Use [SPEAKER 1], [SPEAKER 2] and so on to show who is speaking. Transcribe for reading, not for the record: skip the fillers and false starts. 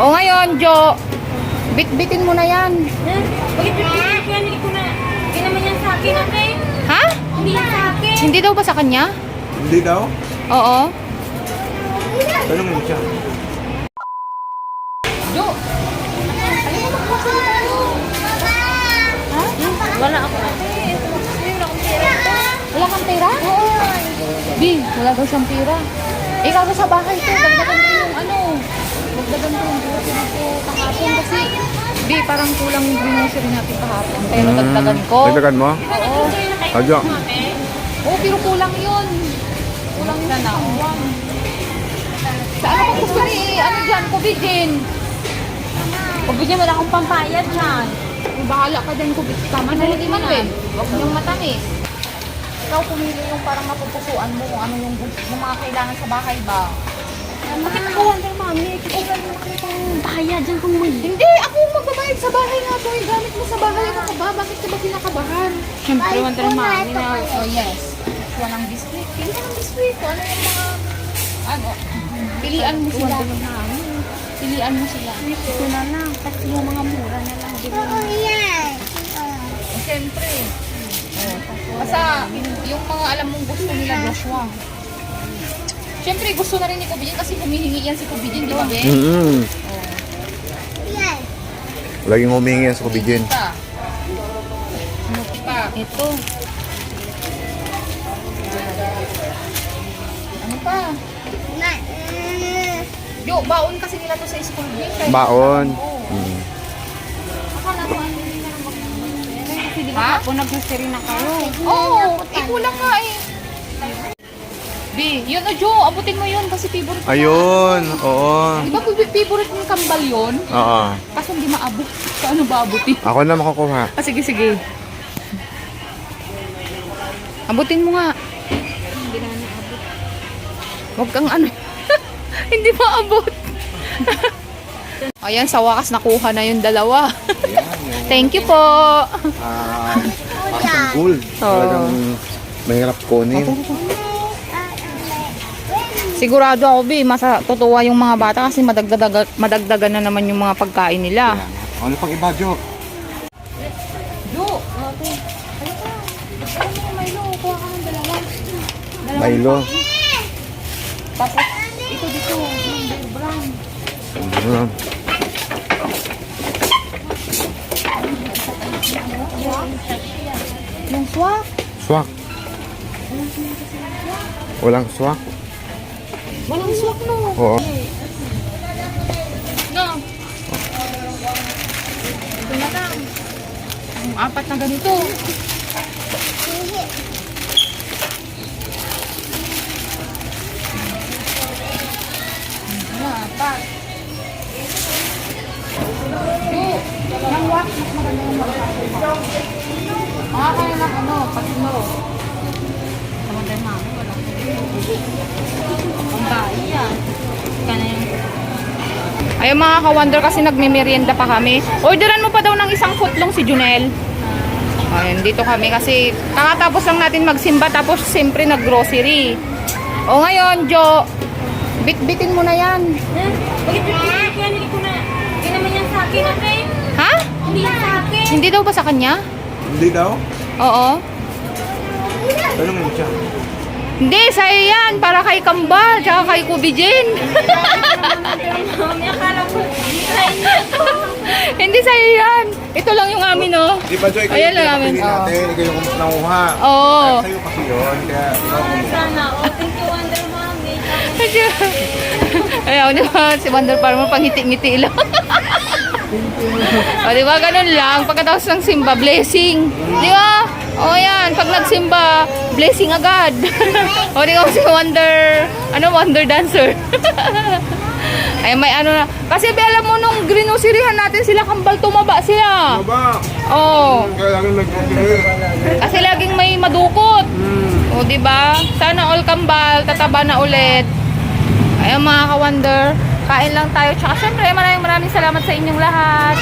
[SPEAKER 1] O ngayon, Jo, bitbitin mo na yan.
[SPEAKER 2] Bakit pipitin ko yan? Hindi ko na. Hindi naman yan sa akin, ate.
[SPEAKER 1] Ha?
[SPEAKER 2] Hindi yan sa akin.
[SPEAKER 1] Hindi daw ba sa kanya?
[SPEAKER 3] Hindi daw?
[SPEAKER 1] Oo.
[SPEAKER 3] Tanungin mo siya.
[SPEAKER 1] Jo!
[SPEAKER 2] Wala ako, ate. Wala akong pera.
[SPEAKER 1] Wala kang pera? Oo. Di, wala daw siyang pera. Ikaw sa bahay to, dagdagan ko yung ano. Dagdagan ko yung grocery ko kahapon kasi di, parang kulang yung grocery natin kahapon. Pero dagdagan ko.
[SPEAKER 3] Dagdagan mo?
[SPEAKER 1] Oo.
[SPEAKER 3] Adyo.
[SPEAKER 1] Oo, pero kulang yun. Kulang yun na. Sa ano kung gusto ni, ano dyan, kubidin.
[SPEAKER 2] Pabigyan mo na akong pampayad dyan.
[SPEAKER 1] Bahala ka din kubid. Tama na rin man eh. Huwag mo yung matamis. Ikaw pumili yung parang mapupusuan mo kung ano yung mga kailangan sa bahay ba.
[SPEAKER 2] Bakit ako Wonder Mommy? Kailan mo nakita yung bayad dyan kung may...
[SPEAKER 1] Hindi, ako magbabayad sa bahay nga to. Yung gamit mo sa bahay. Ano ka ba? Bakit ka ba kinakabahan?
[SPEAKER 2] Siyempre, Wonder Mommy na...
[SPEAKER 1] Oh yes. Walang biskuit. Pili ka ng biskuit. Ano yung mga... Ano? Pilian mo sila. Pilian mo sila.
[SPEAKER 2] Ito na lang. Kasi yung mga mura na lang.
[SPEAKER 1] Siyempre. Basta yung mga alam mong gusto nila, Joshua. Siyempre gusto na rin ni Kubidin kasi humihingi yan si Kubidin, di ba, Ben?
[SPEAKER 3] Laging humingi yan sa kubidin.
[SPEAKER 1] Ano pa?
[SPEAKER 2] Ito.
[SPEAKER 1] Ano pa? Yo, baon kasi nila to sa school, Ben. Kaya-
[SPEAKER 3] Baon.
[SPEAKER 1] Oo. Akala ko ano nila
[SPEAKER 2] Kasi di
[SPEAKER 1] Ha?
[SPEAKER 2] ba ako nag-grocery na kayo?
[SPEAKER 1] Oo, kulang nga eh. B, yun o Jo, abutin mo yun kasi favorite mo.
[SPEAKER 3] Ayun. Oo.
[SPEAKER 1] Di ba favorite mong kambal yun?
[SPEAKER 3] Oo.
[SPEAKER 1] Kaso hindi maabot. Paano ba abutin?
[SPEAKER 3] Ako na makukuha.
[SPEAKER 1] Ah, sige, sige. Abutin mo nga.
[SPEAKER 2] Hindi na naabot.
[SPEAKER 1] Huwag kang ano. Hindi maabot. Ayan, sa wakas nakuha na yung dalawa. Thank you po.
[SPEAKER 3] Parang gold. Talagang mahirap kunin.
[SPEAKER 1] Sigurado ako, B, matutuwa yung mga bata kasi madagdagan na naman yung mga pagkain nila.
[SPEAKER 3] Ano pang iba, Jo?
[SPEAKER 1] Jo, ate. Ano ka? Ano yung Milo? Kuha ka ng dalawa.
[SPEAKER 3] Milo.
[SPEAKER 1] Tapos, ito dito. Yung Bear Brand. Yung swak.
[SPEAKER 3] Swak. Walang swak?
[SPEAKER 1] Walang swak, no.
[SPEAKER 3] Oo.
[SPEAKER 1] No. Ito na lang. Yung apat na ganito. Apat. Yung wax, mas maganda yung magkakakuha. Kaya ng ano, patino.
[SPEAKER 2] Sa Wonder Mommy, wala ko. Ang bayi yan. Kana yung...
[SPEAKER 1] Ayun mga ka-wonder kasi nagme-merienda pa kami. Orderan mo pa daw ng isang footlong si Junel. Ayun, dito kami kasi kakatapos lang natin magsimba tapos siyempre nag-grocery. O ngayon, Jo, bitbitin mo na yan.
[SPEAKER 2] Bakit pipitin ko yan? Hindi ko na. Hindi naman yan sa akin, ate.
[SPEAKER 1] Ha?
[SPEAKER 2] Hindi yan sa akin.
[SPEAKER 1] Hindi daw ba sa kanya?
[SPEAKER 3] Hindi daw?
[SPEAKER 1] Oo.
[SPEAKER 3] Tanungin mo siya.
[SPEAKER 1] Hindi, sa'yo yan. Para kay Kambal, tsaka kay Kubijin.
[SPEAKER 2] Mami, akala ko. Sa inyo ito.
[SPEAKER 1] Hindi sa'yo yan. Ito lang yung amin, oh.
[SPEAKER 3] Di ba, Jo? Ikaw
[SPEAKER 1] Ayan
[SPEAKER 3] yung
[SPEAKER 1] lang namin.
[SPEAKER 3] pinapili natin. Ikaw yung nanguha.
[SPEAKER 1] Oo.
[SPEAKER 3] Sa'yo kasi yun. Kaya ikaw kumuha.
[SPEAKER 2] Sana. Oh, thank you, Wonder Mommy.
[SPEAKER 1] Ayaw naman, si Wonder Farmer pangiti-ngiti lang. O, di ba, ganun lang. Pagkatapos ng simba, blessing. Di ba? O, yan. Pag nagsimba, blessing agad. O, di ba si Wonder, Wonder Dancer. Ay, may ano na. Kasi, alam mo, nung grinusirihan natin sila, kambal tumaba sila.
[SPEAKER 3] Ba?
[SPEAKER 1] Oo.
[SPEAKER 3] Kaya lang nag-grocery.
[SPEAKER 1] Kasi laging may madukot. O, di ba? Sana all kambal, tataba na ulit. Ayun mga ka-wonder, kain lang tayo. Tsaka syempre, maraming salamat sa inyong lahat.